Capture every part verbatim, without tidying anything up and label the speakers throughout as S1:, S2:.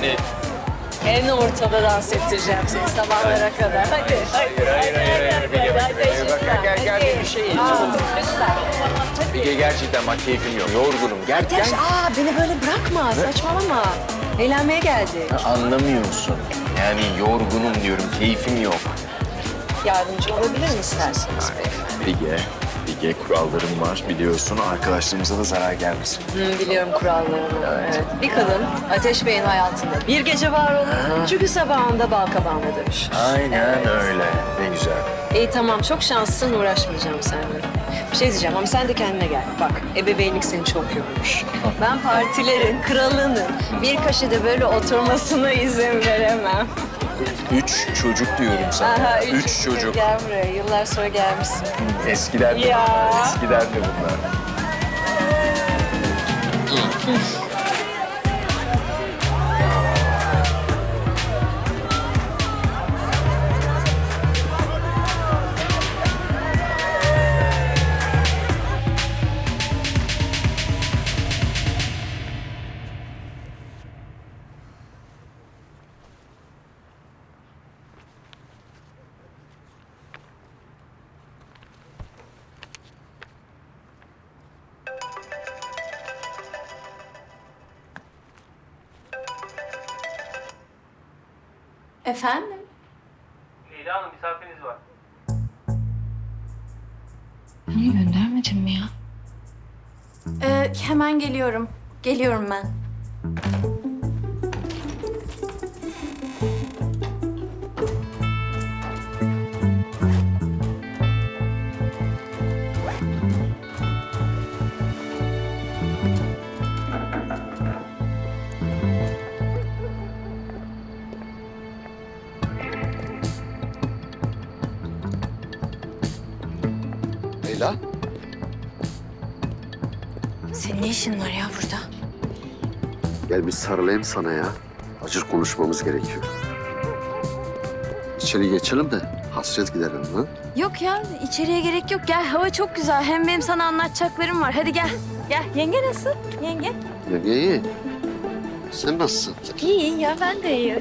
S1: yani.
S2: En ortada dans ettireceğim seni sabahlara kadar. Hadi.
S1: Hayır, hayır, hayır, hayır. Bilge, Bilge, bak, gel, gel, gel, bir şey ye.
S2: Lütfen.
S1: Bilge, gerçekten bak keyfim yok. Yorgunum. Gel,
S2: Ateş,
S1: gel.
S2: aa beni böyle bırakma, saçmalama. Eğlenmeye geldik.
S1: Anlamıyorsun. Yani yorgunum diyorum, keyfim yok.
S2: Yardımcı olabilir mi isterseniz beyefendi?
S1: Bilge, Bilge kurallarım var biliyorsun. Arkadaşlarımıza da zarar gelmesin.
S2: Hı, biliyorum kurallarını. Evet. Bir kadın Ateş Bey'in hayatında bir gece var olur. Çünkü sabahında bal kabağına dönüşür.
S1: Aynen öyle. Ne güzel.
S2: İyi tamam, çok şanslısın, uğraşmayacağım seninle. Bir şey diyeceğim ama sen de kendine gel. Bak, ebeveynlik seni çok yormuş. Ben partilerin, kralının bir köşede böyle oturmasına izin veremem.
S1: Üç çocuk diyorum sana.
S2: Aha,
S1: üç, çocuk.
S2: Gel buraya, yıllar sonra gelmişsin.
S1: Eskiler de
S2: Ya.
S1: bunlar. Eskiler de bunlar.
S2: Efendim?
S3: Leyla Hanım misafiriniz var.
S4: Niye göndermedin mi ya?
S2: Ee, hemen geliyorum. Geliyorum ben.
S5: Leyla,
S4: Senin ne işin var ya burada?
S5: gel bir sarılayım sana ya. Acil konuşmamız gerekiyor. İçeri geçelim de hasret giderelim ha.
S4: Yok ya, içeriye gerek yok. Gel, hava çok güzel. Hem benim sana anlatacaklarım var. Hadi gel. Gel. Yenge nasıl? Yenge?
S5: Ya iyi. Sen nasılsın?
S4: İyi ya, ben de iyiyim.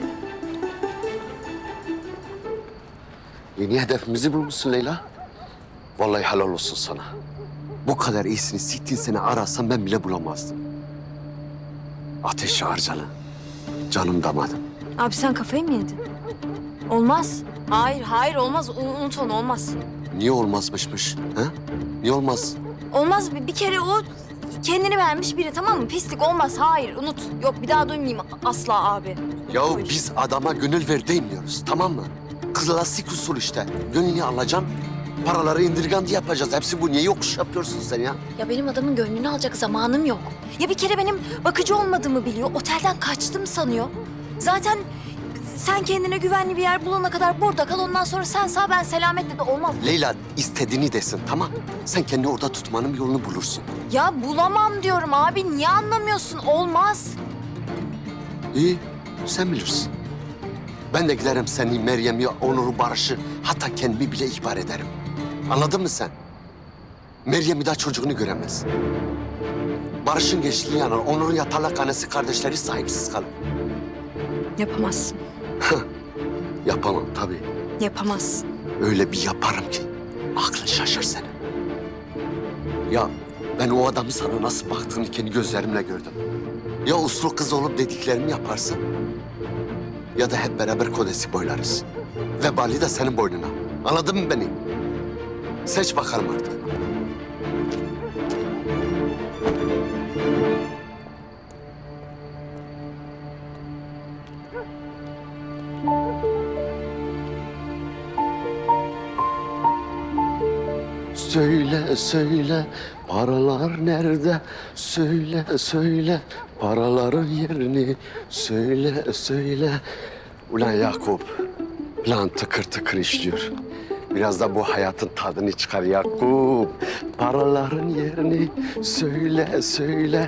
S5: Yeni hedefimizi bulmuşsun Leyla. Vallahi helal olsun sana. Bu kadar iyisini sittin sene arasam ben bile bulamazdım. Ateş harcalı. Canım damadım.
S4: Abi sen kafayı mı yedin? Olmaz. Hayır, hayır olmaz. U- Unut onu, olmaz.
S5: Niye olmazmışmış? Ha? Niye olmaz?
S4: Olmaz. Bir, bir kere o kendini beğenmiş biri, tamam mı? Pislik olmaz. Hayır, unut. Yok, bir daha duymayayım asla abi.
S5: Yahu biz adama gönül ver demiyoruz, tamam mı? Klasik usul işte. Gönlünü alacaksın, paraları indirgandı yapacağız. Hepsi bu. Niye yokuş yapıyorsun sen ya?
S4: Ya benim adamın gönlünü alacak zamanım yok. Ya bir kere benim bakıcı olmadığımı biliyor. Otelden kaçtım sanıyor. Zaten sen kendine güvenli bir yer bulana kadar burada kal. Ondan sonra sen sağ, ben selametle de olmaz.
S5: Leyla istediğini desin, tamam. Sen kendi orada tutmanın bir yolunu bulursun.
S4: Ya bulamam diyorum abi. Niye anlamıyorsun? Olmaz.
S5: İyi, sen bilirsin. Ben de giderim seni, Meryem'i, Onur'u, Barış'ı, hatta kendimi bile ihbar ederim. Anladın mı sen? Meryem bir daha çocuğunu göremez. Barış'ın geçtiği yana Onur'un yatalak annesi kardeşleri sahipsiz kalır.
S4: Yapamazsın.
S5: Yapamam tabii.
S4: Yapamazsın.
S5: Öyle bir yaparım ki aklın şaşır senin. Ya ben o adamın sana nasıl baktığını kendi gözlerimle gördüm. Ya uslu kız olup dediklerimi yaparsın ya da hep beraber kodesi boylarız. Vebali de senin boynuna. Anladın mı beni? Seç bakalım artık. Söyle söyle paralar nerede? Söyle söyle paraların yerini. Söyle söyle. Ulan Yakup, plan tıkır tıkır işliyor. Biraz da bu hayatın tadını çıkar Yakup. Paraların yerini söyle söyle.